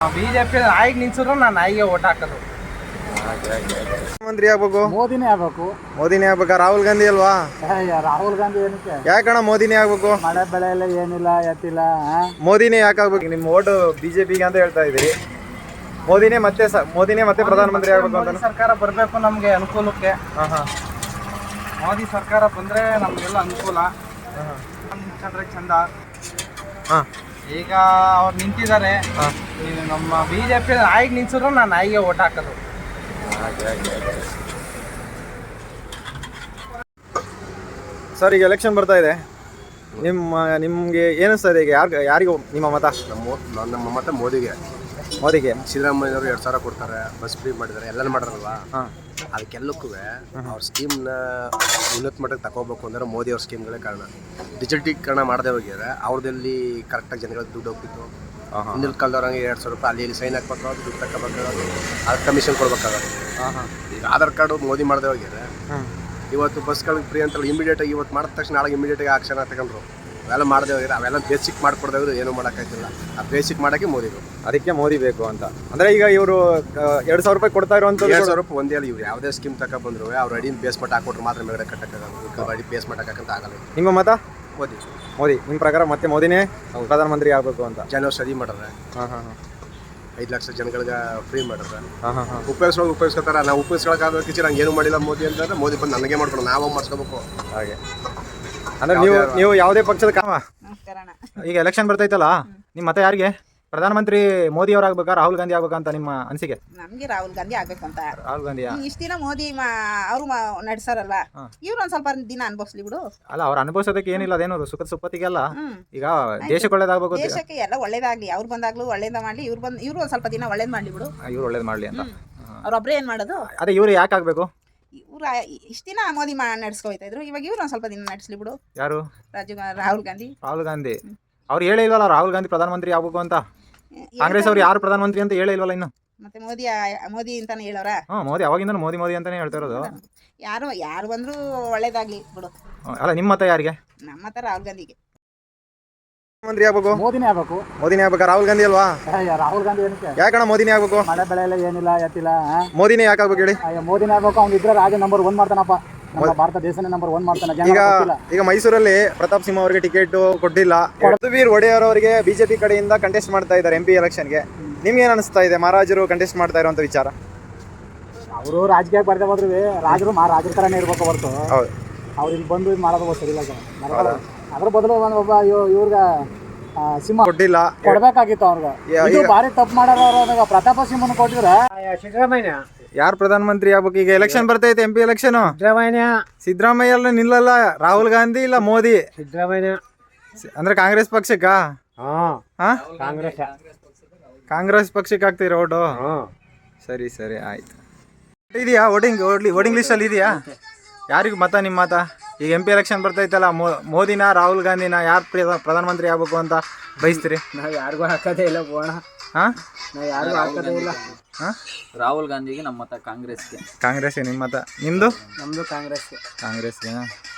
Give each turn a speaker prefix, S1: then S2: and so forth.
S1: BJP ನಾಯಿಗೆ ನಿಲ್ಸಿದ್ರು ನಾನು ನಾಯಿಗೆ ಓಟ್ ಹಾಕೋದು.
S2: ಮಂತ್ರಿ ಆಗ್ಬೇಕು,
S3: ಮೋದಿನೇ ಆಗ್ಬೇಕು.
S2: ಮೋದಿನೇ ಆಗ್ಬೇಕಾ? ರಾಹುಲ್ ಗಾಂಧಿ ಅಲ್ವಾ?
S3: ರಾಹುಲ್ ಗಾಂಧಿ ಏನಕ್ಕೆ?
S2: ಯಾಕಣ್ಣ ಮೋದಿನೇ ಆಗ್ಬೇಕು?
S3: ಮಳೆ ಬೆಳೆ ಎಲ್ಲ ಏನಿಲ್ಲ ಎತ್ತಿಲ್ಲ.
S2: ಮೋದಿನೇ ಯಾಕೆ ಆಗ್ಬೇಕು? ನಿಮ್ಮ ಓಟು ಬಿಜೆಪಿಗೆ ಅಂತ ಹೇಳ್ತಾ ಇದ್ದೀರಿ. ಮೋದಿನೇ ಮತ್ತೆ ಪ್ರಧಾನಮಂತ್ರಿ ಆಗ್ಬೇಕು ಅಂತ
S1: ಸರ್ಕಾರ ಬರಬೇಕು ನಮಗೆ ಅನುಕೂಲಕ್ಕೆ. ಮೋದಿ ಸರ್ಕಾರ ಬಂದ್ರೆ ನಮಗೆಲ್ಲ ಅನುಕೂಲ. ನಿಂತ್ಕೊಂಡ್ರೆ ಚಂದ. ಈಗ ಅವ್ರು ನಿಂತಿದ್ದಾರೆ. ನಮ್ಮ ಬಿಜೆಪಿ ನಾಯಿಗೆ ನಿಲ್ಸಿದ್ರು ನಾನು ನಾಯಿಗೆ ಓಟ್ ಹಾಕೋದು.
S2: ಸರ್, ಈಗ ಎಲೆಕ್ಷನ್ ಬರ್ತಾ ಇದೆ. ನಿಮ್ಗೆ ಏನಿಸ್ತಾ ಇದೆ? ಈಗ ಯಾರಿಗೂ ನಿಮ್ಮ ಮತ?
S4: ನಮ್ಮ ಮತ ಮೋದಿಗೆ. ಸಿದ್ದರಾಮಯ್ಯವರು 2,000 ಕೊಡ್ತಾರೆ, ಬಸ್ ಫ್ರೀ ಮಾಡಿದ್ದಾರೆ, ಎಲ್ಲ ಮಾಡಿರಲ್ವಾ? ಅದಕ್ಕೆಲ್ಲಕ್ಕೂ ಅವ್ರ ಸ್ಕೀಮ್ನ ಉನ್ನತ ಮಟ್ಟಕ್ಕೆ ತಗೋಬೇಕು ಅಂದ್ರೆ ಮೋದಿ ಅವ್ರ ಸ್ಕೀಮ್ಗಳೇ ಕಾರಣ. ಡಿಜಿಟಲೀಕರಣ ಮಾಡದೆ ಹೋಗಿದ್ರೆ ಅವ್ರದಲ್ಲಿ ಕರೆಕ್ಟಾಗಿ ಜನಗಳಿಗೆ ದುಡ್ಡು ಹೋಗ್ತಿತ್ತು. ಹಿಂದಿನ ಕಾಲದವ್ರಂಗೆ 2,000 ರೂಪಾಯಿ ಅಲ್ಲಿ ಸೈನ್ ಹಾಕ್ಬೇಕಾಗೋದು, ದುಡ್ಡು ತಗೋಬೇಕಾಗೋದು, ಅದಕ್ಕೆ ಕಮಿಷನ್ ಕೊಡ್ಬೇಕಾಗೋದು. ಈಗ ಆಧಾರ್ ಕಾರ್ಡು ಮೋದಿ ಮಾಡದೆ ಹೋಗಿದ್ರೆ ಇವತ್ತು ಬಸ್ಗಳಿಗೆ ಫ್ರೀ ಅಂತ ಇಮಿಡಿಯೇಟಾಗಿ ಇವತ್ತು ಮಾಡಿದ ತಕ್ಷಣ ನಾಳೆ ಇಮಿಡಿಯೇಟಾಗಿ ಆಕ್ಷನ್ ತಗೊಂಡ್ರು. ಅವೆಲ್ಲ ಮಾಡದೆ ಹೋಗಿದ್ರೆ ಅವೆಲ್ಲ ಬೇಸಿಕ್ ಮಾಡ್ಕೊಡ್ದೇವ್ರು ಏನೂ ಮಾಡೋಕ್ಕಾಯ್ತಿಲ್ಲ. ಆ ಬೇಸಿಕ್ ಮಾಡೋಕ್ಕೆ ಮೋದಿಗಳು. ಅದಕ್ಕೆ ಮೋದಿ ಬೇಕು ಅಂತ. ಅಂದರೆ ಈಗ ಇವರು 2,000 ರೂಪಾಯಿ ಕೊಡ್ತಾ ಇರುವಂಥ 2,000 ರೂಪಾಯಿ ಒಂದೇ ಅಲ್ಲ. ಇವ್ರು ಯಾವುದೇ ಸ್ಕೀಮ್ ತಗೊಬಂದ್ರು ಅವ್ರು ಅಡಿನ ಬೇಸ್ಮೆಂಟ್ ಹಾಕೊಟ್ರು ಮಾತ್ರ ಮೇಗಡೆ ಕಟ್ಟಕ್ಕಾಗಲ್ಲ. ಅಡಿ ಬೇಸ್ಮೆಂಟ್ ಹಾಕಂತ ಆಗಲ್ಲ. ನಿಮ್ಮ ಮತ ಮೋದಿ. ನಿಮ್ಮ ಪ್ರಕಾರ ಮತ್ತೆ ಮೋದಿನೇ ಪ್ರಧಾನಮಂತ್ರಿ ಆಗಬೇಕು ಅಂತ ಜನೌಷಧಿ ಮಾಡ್ರೆ. 5 ಲಕ್ಷ ಜನಗಳಿಗೆ ಫ್ರೀ ಮಾಡಿದ್ರೆ ಉಪಯೋಗಿಸ್ಕೊತಾರೆ. ನಾವು ಉಪಯೋಗಿಸ್ಕೊಳಕ್ಕಾಗಕ್ಕೆ ನಂಗೆ ಏನು ಮಾಡಿಲ್ಲ ಮೋದಿ ಅಂತಂದ್ರೆ ಮೋದಿ ಬಂದು ನನಗೆ ಮಾಡ್ಕೊಂಡು ನಾವು ಮಾಡಿಸ್ಕೋಬೇಕು. ಹಾಗೆ ಅಂದ್ರೆ ನೀವು ಯಾವುದೇ ಪಕ್ಷದ ಈಗ ಎಲೆಕ್ಷನ್ ಬರ್ತೈತಲ್ಲ, ನಿಮ್ಮ ಮತ ಯಾರಿಗೆ? ಪ್ರಧಾನಮಂತ್ರಿ ಮೋದಿ ಅವ್ರು ಆಗ್ಬೇಕಾ, ರಾಹುಲ್ ಗಾಂಧಿ ಆಗ್ಬೇಕಾ ಅಂತ ನಿಮ್ಮ ಅನಿಸಿಕೆ?
S5: ನಮ್ಗೆ ರಾಹುಲ್ ಗಾಂಧಿ ಆಗ್ಬೇಕು ಅಂತ.
S2: ರಾಹುಲ್ ಗಾಂಧಿ
S5: ಇಷ್ಟ ದಿನ ಮೋದಿ ಅವರು ನಡೆಸಾರಲ್ಲ, ಇವ್ರು ಒಂದ್ ಸ್ವಲ್ಪ ದಿನ ಅನ್ಭವಿಸ್ಲಿ ಬಿಡು.
S2: ಅಲ್ಲ, ಅವ್ರು ಅನುಭವಿಸೋದಕ್ಕೆ ಏನಿಲ್ಲ, ಅದೇನೋ ಸುಖದ ಸುಪ್ಪತ್ತಿಗೆಲ್ಲ. ಈಗ ದೇಶಕ್ಕೆ ಒಳ್ಳೇದಾಗಬೇಕು,
S5: ದೇಶಕ್ಕೆ ಎಲ್ಲ ಒಳ್ಳೇದಾಗ್ಲಿ. ಅವ್ರು ಬಂದಾಗ್ಲೂ ಒಳ್ಳೇದ ಮಾಡ್ಲಿ, ಇವ್ರು ಒಂದ್ ಸ್ವಲ್ಪ ದಿನ ಒಳ್ಳೇದ್ ಮಾಡ್ಲಿ ಬಿಡು.
S2: ಇವ್ರು ಒಳ್ಳೇದ್ ಮಾಡ್ಲಿ ಅಂತ.
S5: ಅವ್ರೊಬ್ರೇ ಏನ್ ಮಾಡೋದು?
S2: ಅದೇ ಇವ್ರು ಯಾಕೆ ಆಗ್ಬೇಕು?
S5: ಇವ್ರು ಇಷ್ಟ ದಿನ ಮೋದಿ ನಡೆಸ್ಕೊಯ್ತಾ ಇದ್ರು, ಇವಾಗ ಇವ್ರು ಒಂದ್ ಸ್ವಲ್ಪ ದಿನ ನಡೆಸ್ಲಿ ಬಿಡು.
S2: ಯಾರು?
S5: ರಾಹುಲ್ ಗಾಂಧಿ.
S2: ಅವ್ರು ಹೇಳೇ ಇಲ್ವಲ್ಲ ರಾಹುಲ್ ಗಾಂಧಿ ಪ್ರಧಾನಮಂತ್ರಿ ಆಗ್ಬೇಕು ಅಂತ. ಕಾಂಗ್ರೆಸ್ ಅವ್ರು ಯಾರು ಪ್ರಧಾನಮಂತ್ರಿ ಅಂತ ಹೇಳೇ ಇಲ್ವಲ್ಲ ಇನ್ನು.
S5: ಮತ್ತೆ ಮೋದಿ ಅಂತಾನೆ ಹೇಳೋರ?
S2: ಮೋದಿ ಅವಾಗಿಂದ ಮೋದಿ ಅಂತಾನೆ ಹೇಳ್ತಾ ಇರೋದು.
S5: ಯಾರು ಬಂದ್ರು ಒಳ್ಳೇದಾಗ್ಲಿ ಬಿಡು.
S2: ಅಲ್ಲ, ನಿಮ್ಮ ಮತ ಯಾರಿಗೆ?
S5: ನಮ್ಮ ಮತ ರಾಹುಲ್ ಗಾಂಧಿಗೆ.
S2: ಮಂತ್ರಿ ಆಗ್ಬೇಕು,
S3: ಮೋದಿನೇ ಆಗ್ಬೇಕು.
S2: ಮೋದಿನೇ ಆಗ್ಬೇಕಾ? ರಾಹುಲ್ ಗಾಂಧಿ ಅಲ್ವಾ?
S3: ರಾಹುಲ್ ಗಾಂಧಿ ಏನಕ್ಕೆ?
S2: ಯಾಕಣ್ಣ ಮೋದಿನೇ ಆಗ್ಬೇಕು?
S3: ಮಳೆ ಬೆಳೆ ಎಲ್ಲ ಏನಿಲ್ಲ ಎತ್ತಿಲ್ಲ.
S2: ಮೋದಿನೇ ಯಾಕೆ ಆಗ್ಬೇಕು ಹೇಳಿ?
S3: ಮೋದಿನೇ ಆಗ್ಬೇಕು. ಅವ್ನು ಇದ್ರೆ ರಾಜ್ಯ ನಂಬರ್ 1 ಮಾಡ್ತಾನಪ್ಪ. ನಮ್ಮ ಭಾರತ ದೇಶನೇ ನಂಬರ್ 1 ಮಾಡ್ತಾನೆ.
S2: ಈಗ ಮೈಸೂರಲ್ಲಿ ಪ್ರತಾಪ್ ಸಿಂಹ ಅವರಿಗೆ ಟಿಕೆಟ್ ಕೊಟ್ಟಿಲ್ಲ. ಯದುವೀರ್ ಒಡೆಯರ್ ಅವರಿಗೆ ಬಿಜೆಪಿ ಕಡೆಯಿಂದ ಕಂಟೆಸ್ಟ್ ಮಾಡ್ತಾ ಇದ್ದಾರೆ MP ಎಲೆಕ್ಷನ್ಗೆ. ನಿಮ್ಗೆ ಏನ್ ಅನಿಸ್ತಾ ಇದೆ ಮಹಾರಾಜರು ಕಂಟೆಸ್ಟ್ ಮಾಡ್ತಾ ಇರುವಂತ ವಿಚಾರ?
S3: ಅವರು ರಾಜಕೀಯಕ್ಕೆ ಬರ್ತಾ ಹೋದ್ರು ರಾಜರು ರಾಜರ ತರನೇ ಇರ್ಬೇಕು ಹೊರತು ಅವ್ರು ಇಲ್ಲಿ ಬಂದು ಇದು ಮಾಡೋದು ಸರಿಯಿಲ್ಲ. ಅದ್ರ ಬದಲು ಒಬ್ಬ ಇವ್ರಿಗೆ ಸಿಂಹ
S2: ಕೊಟ್ಟಿಲ್ಲ,
S3: ಕೊಡ್ಬೇಕಾಗಿತ್ತು ಅವ್ರಿಗೆ. ಇದು ಭಾರಿ ತಪ್ಪು ಮಾಡೋರು. ಪ್ರತಾಪ ಸಿಂಹನ ಕೊಟ್ಟಿದ್ರೆ ಸಿದ್ದರಾಮಯ್ಯ
S2: ಯಾರು ಪ್ರಧಾನಮಂತ್ರಿ ಆಗ್ಬೇಕು? ಈಗ ಎಲೆಕ್ಷನ್ ಬರ್ತೈತೆ, MP ಎಲೆಕ್ಷನ್. ಸಿದ್ದರಾಮಯ್ಯ ಎಲ್ಲ ನಿಲ್ಲಲ್ಲ. ರಾಹುಲ್ ಗಾಂಧಿ ಇಲ್ಲ ಮೋದಿ.
S3: ಸಿದ್ದರಾಮಯ್ಯ
S2: ಅಂದ್ರೆ ಕಾಂಗ್ರೆಸ್ ಪಕ್ಷಕ್ಕ? ಕಾಂಗ್ರೆಸ್ ಪಕ್ಷಕ್ಕೆ ಆಗ್ತೀರ ಓಟು? ಸರಿ ಆಯ್ತು. ಇದೆಯಾ ವೋಟಿಂಗ್ ಲಿಸ್ಟ್ ಅಲ್ಲಿ ಇದೆಯಾ? ಯಾರಿಗೂ ಮತ? ನಿಮ್ಮ ಮತ? ಈಗ MP ಎಲೆಕ್ಷನ್ ಬರ್ತೈತಲ್ಲ, ಮೋದಿನ ರಾಹುಲ್ ಗಾಂಧಿನ ಯಾರು ಪ್ರಧಾನಮಂತ್ರಿ ಆಗ್ಬೇಕು ಅಂತ ಬಯಸ್ತೀರಿ?
S3: ನಾವು ಯಾರಿಗೂ ಹಾಕೋದೇ ಇಲ್ಲ ಬೋಣ. ನಾವು ಯಾರಿಗೂ ಹಾಕೋದೇ ಇಲ್ಲ.
S1: ರಾಹುಲ್ ಗಾಂಧಿಗೆ ನಮ್ಮ ಮತ. ಕಾಂಗ್ರೆಸ್ಗೆ
S2: ನಿಮ್ಮ ಮತ? ನಿಮ್ದು?
S3: ನಮ್ದು ಕಾಂಗ್ರೆಸ್ಗೆ.
S2: ಕಾಂಗ್ರೆಸ್ಗೆ.